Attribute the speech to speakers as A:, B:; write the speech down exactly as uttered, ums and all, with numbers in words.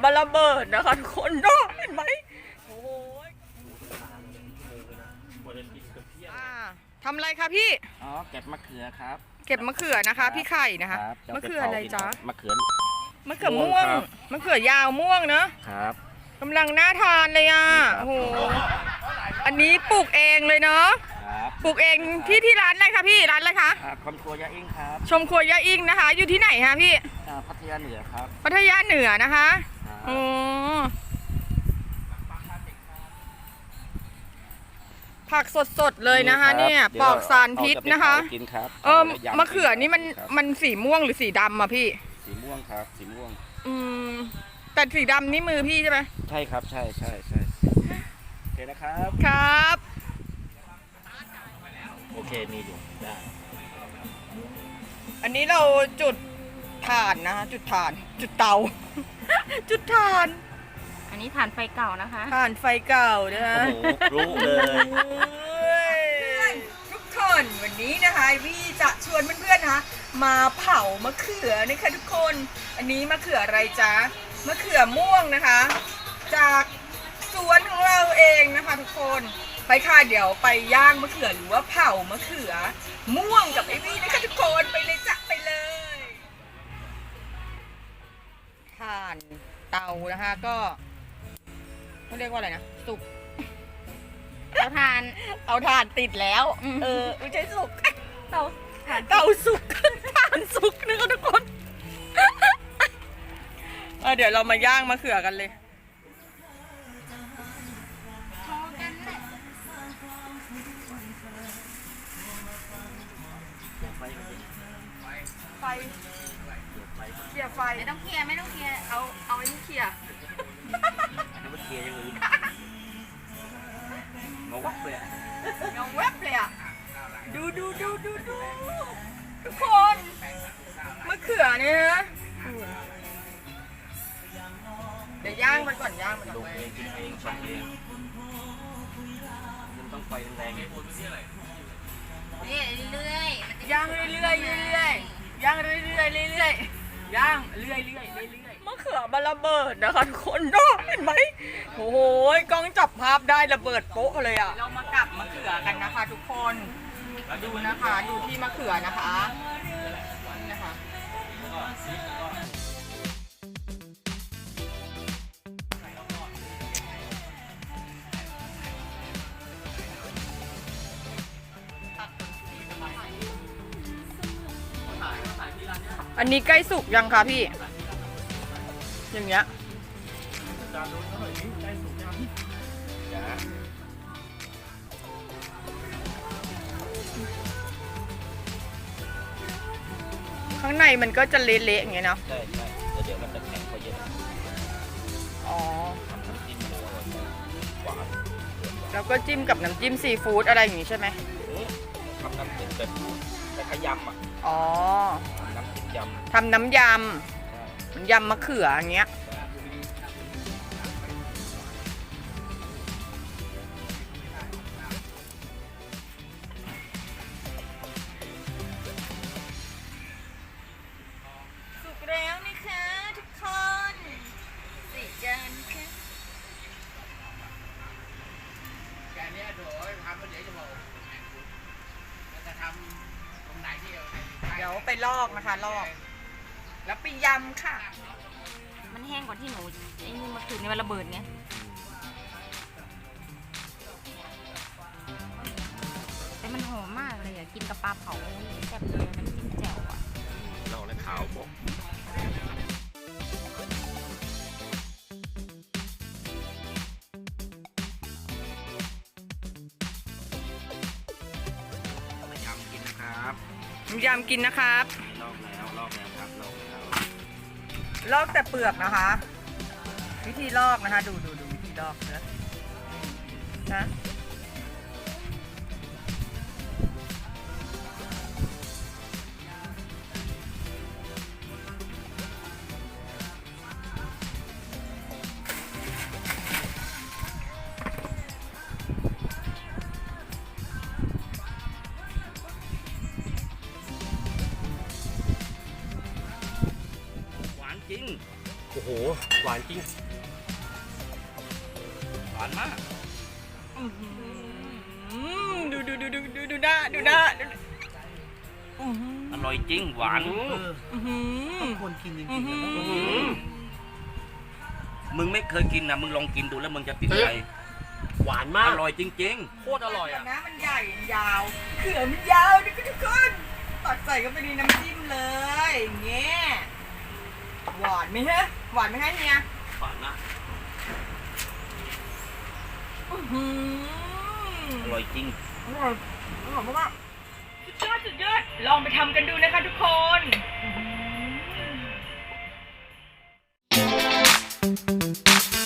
A: มันระเบิดนะคะทุกคนเนาะเห็นไหมโอ้ยทำอะไรคะพี่
B: อ๋อเก็บมะเขือครับ
A: เก็บมะเขือนะคะพี่ไข่นะคะมะเขืออะไรจ๊ะ
B: มะเขือ
A: มะเขือม่วงมะเขือยาวม่วงเนาะ
B: ครับ
A: กำลังน่าทานเลยอ่ะโอ้โหอันนี้ปลูกเองเลยเนาะปลูกเองที่ที่ร้านอะไรคะพี่ร้านอะไรคะ
B: ชมครัวยาอิงครับ
A: ชมครัวยาอิงนะคะอยู่ที่ไหนคะพี่
B: พัทยาเหนือครับ
A: พัทยาเหนือนะคะโอ้ผักสดๆเลยนะคะเนี่ยปลอดสารพิษนะคะเออมะเขือนี่มันมันสีม่วงหรือสีดำอะพี่
B: สีม่วงครับสีม่วง
A: อืมแต่สีดำนี่มือพี่ใช่ไหม
B: ใช่ครับใช่ใช่ใช่โอเคนะครับ
A: ครับ
B: โอเคมีอยู่ได้
A: อันนี้เราจุดถ่านนะคะจุดถ่านจุดเตาจุดถ่าน
C: อันนี้ถ่านไฟเก่านะคะ
A: ถ่านไฟเก่านะคะ
B: โอ้โหรู้เลย
A: ทุกคนวันนี้นะคะวี่จะชวนเพื่อนๆนะคะมาเผามะเขือนะคะทุกคนอันนี้มะเขืออะไรจ๊ะมะเขือม่วงนะคะจากสวนของเราเองนะคะทุกคนไปค่ะเดี๋ยวไปย่างมะเขือหรือว่าเผามะเขือม่วงกับไอวี่นะคะทุกคนไปเลยจ้ะไปเลยถ่านเตานะคะก็เขาเรียกว่าอะไรนะสุก
C: เอาถ่าน
A: เอาถ่านติดแล้วเออไม่ใช่สุก
C: เตาถ่าน
A: เตาสุกถ่านสุกนะคะทุกคนเออเดี๋ยวเรามาย่างมะเขือกันเลยไฟเคลียร์ไฟ
C: ไม่ต้องเคลียร์ไม่ต้องเคลียร์
A: เอาเอาไอ้นี่เคลียร์
B: ไม่เคลียร์อย่างอื่นงงวับเลย
A: งงวับเลยอ่ะดูดูดูดูดูทุกคนมะเขือเนี่ยนะเดี๋ยวย่างมันก่อนย่างมันก่อน
B: ดูเองกินเองชมเองมันต้องไฟแรงๆ
C: นี่เรื่อย
A: ย่างเรื่อยๆเรื่อยๆย่างเรื่อยๆเรื่อยๆย่างเรื่อยๆเรื่อยๆมะเขือมันระเบิดนะคะทุกคนเนาะเห็นไหมโอ้โหกล้องจับภาพได้ระเบิดโป๊ะเลยอ่ะเรามากับมะเขือกันนะคะทุกคนดูนะคะดูที่มะเขือนะคะนะคะอันนี้ใกล้สุกยังคะพี่อย่างเงี้ยข้างในมันก็จะเละๆอย่างเงี้ยเนาะ
B: ใช่ใช่แต่เดี๋ยวมันจะแข็งพอเยอะ
A: อ๋อ
B: น้ำจิ้มหมูหวาน
A: แล้วก็จิ้มกับน้ำจิ้มซีฟู้ดอะไรอย่างงี้ใช่ไหม
B: ทำน้ำจิ้มแบบแต่ขยำอ่ะ
A: อ๋อ
B: น้ำจิ้มยำ
A: ทำน้ำยำมันยำมะเขืออย่างเงี้ยสุกแล้วนะคะทุกคนสี่จานค่ะ
D: แกเนี้ยโถทำเดี๋ยวจะบอกจะทำตรงไหนที่
A: เดี๋ยวไปลอกนะคะลอกแล้วไปยำค่ะ
C: มันแห้งกว่าที่หนูไอ้นี่มาคืนในวันระเบิดเนี้ยแต่มันหอมมากเลยอ่ะกินกับปลาเผาแซ่บเลยน้ำจิ้มแจ่วอ่ะ
B: เราเลยขาวบอกยำกินนะครับ
A: ยำกินนะครับ
B: ลอกแล้วลอกแล้วครับลอกแล้ว
A: ลอกแต่เปลือกนะคะวิธีลอกนะคะดูดูดูวิธีลอกนะนะ
B: จริง
E: โอ้โหหวานจริง
B: หวานมาก
A: อื้อหือดูดูดูดูดูดูหน้าดูหน้าดูอื้อหือ
B: อร่อยจริงหวาน
A: อื้อหือ
D: คนกินจริง
A: อื้อหือ
B: มึงไม่เคยกินนะมึงลองกินดูแล้วมึงจะติดใจ
E: หวานมาก
B: อร่อยจริง
E: โคตรอร่อยอ่ะ
A: นะมันใหญ่มันยาวเขือมันยาวนี่ทุกคนตักใส่เข้าไปในน้ำจิ้มเลยอย่างเงี้ยหวานไหมฮะหวานไหมฮะเฮีย
B: ๆหวานมาก
A: อื้อหือ
B: อร่อยจริง
A: อร่อยอร่อยมากๆสุดยอดสุดยอดลองไปทำกันดูนะคะทุกคนอื้อหือ